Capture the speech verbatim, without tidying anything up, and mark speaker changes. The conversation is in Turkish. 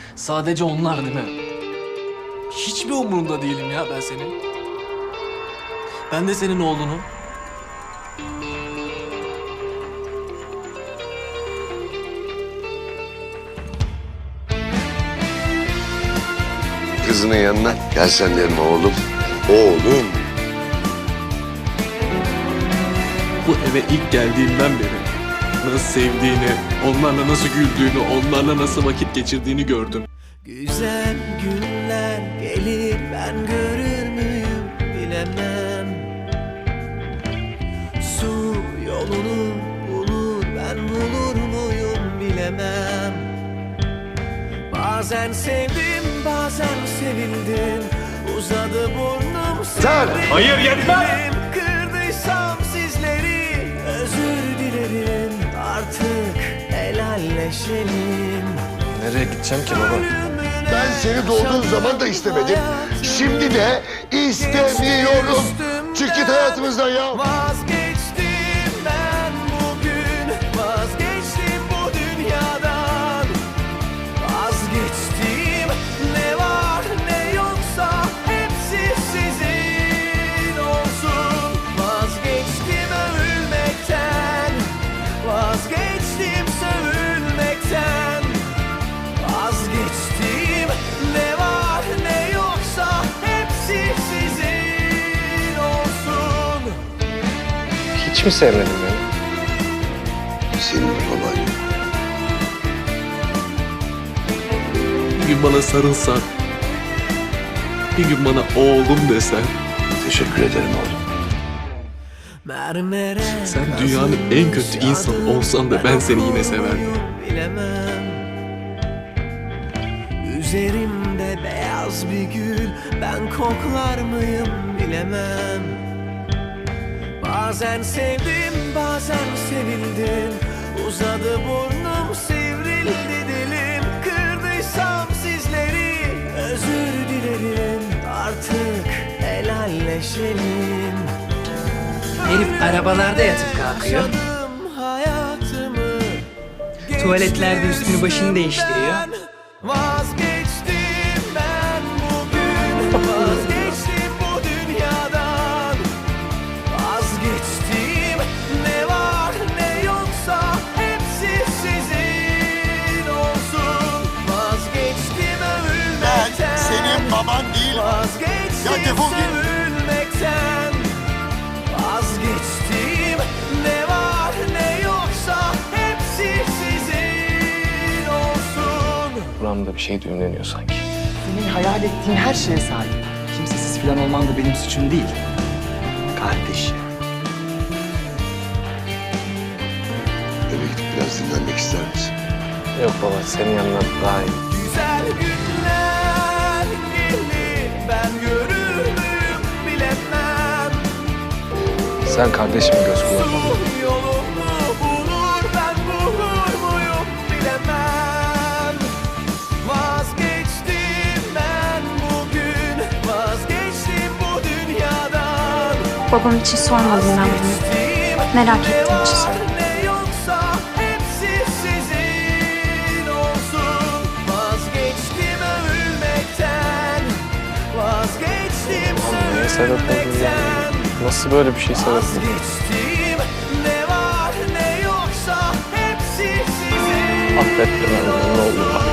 Speaker 1: Sadece onlar değil mi? Hiçbir umurunda değilim ya ben senin. Ben de senin oğlunum.
Speaker 2: Kızının yanına gel sen de yanıma oğlum. Oğlum.
Speaker 1: Bu eve ilk geldiğimden beri nasıl sevdiğini, onlarla nasıl güldüğünü, onlarla nasıl vakit geçirdiğini gördüm.
Speaker 3: Güzel günler gelir ben görür müyüm bilemem. Su yolunu bulur ben bulur muyum bilemem. Bazen sevdim bazen sevildim. Uzadı burnum
Speaker 2: Sen!
Speaker 4: Hayır, yetmez!
Speaker 3: Kırdıysam sizleri özür dilerim. Artık helalleşelim.
Speaker 1: Nereye gideceğim ki baba?
Speaker 2: Ben seni doğduğun zaman da istemedim. Şimdi de istemiyorum. Çık git hayatımızdan ya.
Speaker 3: Vazgeçtim ben bugün. Vazgeçtim bu dünyadan. Vazgeçtim ne var ne yoksa hepsi sizin olsun. Vazgeçtim övülmekten. Vazgeçtim sövülmekten. Vazgeçtim ne var ne yoksa hepsi sizin olsun.
Speaker 4: Hiç mi sevmedin beni?
Speaker 2: Senin baban yok.
Speaker 1: Bir gün bana sarılsan, bir gün bana oğlum desen,
Speaker 2: Teşekkür ederim oğlum.
Speaker 3: Mermere
Speaker 1: sen dünyanın en kötü insanı olsan da ben seni yine severdim.
Speaker 3: Bilemem. Üzerimde beyaz bir gül ben koklar mıyım bilemem. Bazen sevdim bazen sevildim. Uzadı burnum sivrildi dilim. Kırdıysam sizleri özür dilerim. Artık helalleşelim.
Speaker 5: Herif arabalarda yatıp kalkıyor.
Speaker 3: Yaşadım hayatımı.
Speaker 5: Tuvaletlerde üstünü başını değiştiriyor.
Speaker 3: Vazgeçtim ben bugün. Vazgeçtim bu dünyadan. Vazgeçtim ne var ne yoksa hepsi sizin olsun. Vazgeçtim övülmekten.
Speaker 2: Ben senin baban değilim.
Speaker 3: Vazgeçtim
Speaker 2: Ya defol git.
Speaker 3: sövülmekten. Vazgeçtim ne var ne yoksa hepsi sizin olsun.
Speaker 4: Buramda bir şey düğümleniyor sanki.
Speaker 6: Senin hayal ettiğin her şeye sahip. Kimsesiz falan olman da benim suçum değil. Kardeşim.
Speaker 2: Eve gidip biraz dinlenmek ister misin?
Speaker 4: Yok baba, senin yanına daha iyi.
Speaker 3: Güzel günler gelir ben görür müyüm bilemem.
Speaker 4: Sen kardeşimin göz kulak ol.
Speaker 3: Su yolunu bulur ben bulur muyum bilemem. Vazgeçtim ben bugün. Vazgeçtim bu dünyadan.
Speaker 7: Babam için sormadım ben bunu. Merak ettiğim için söyledim.
Speaker 3: Ne yoksa hepsi sizin olsun. Vazgeçtim övülmekten. Vazgeçtim
Speaker 4: Niye sebep oldun ya?
Speaker 3: sövülmekten.
Speaker 4: Nasıl böyle bir şey sebep oldun?
Speaker 3: Vazgeçtim ne var ne yoksa hepsi sizin.
Speaker 4: Affet beni, ne olur affet.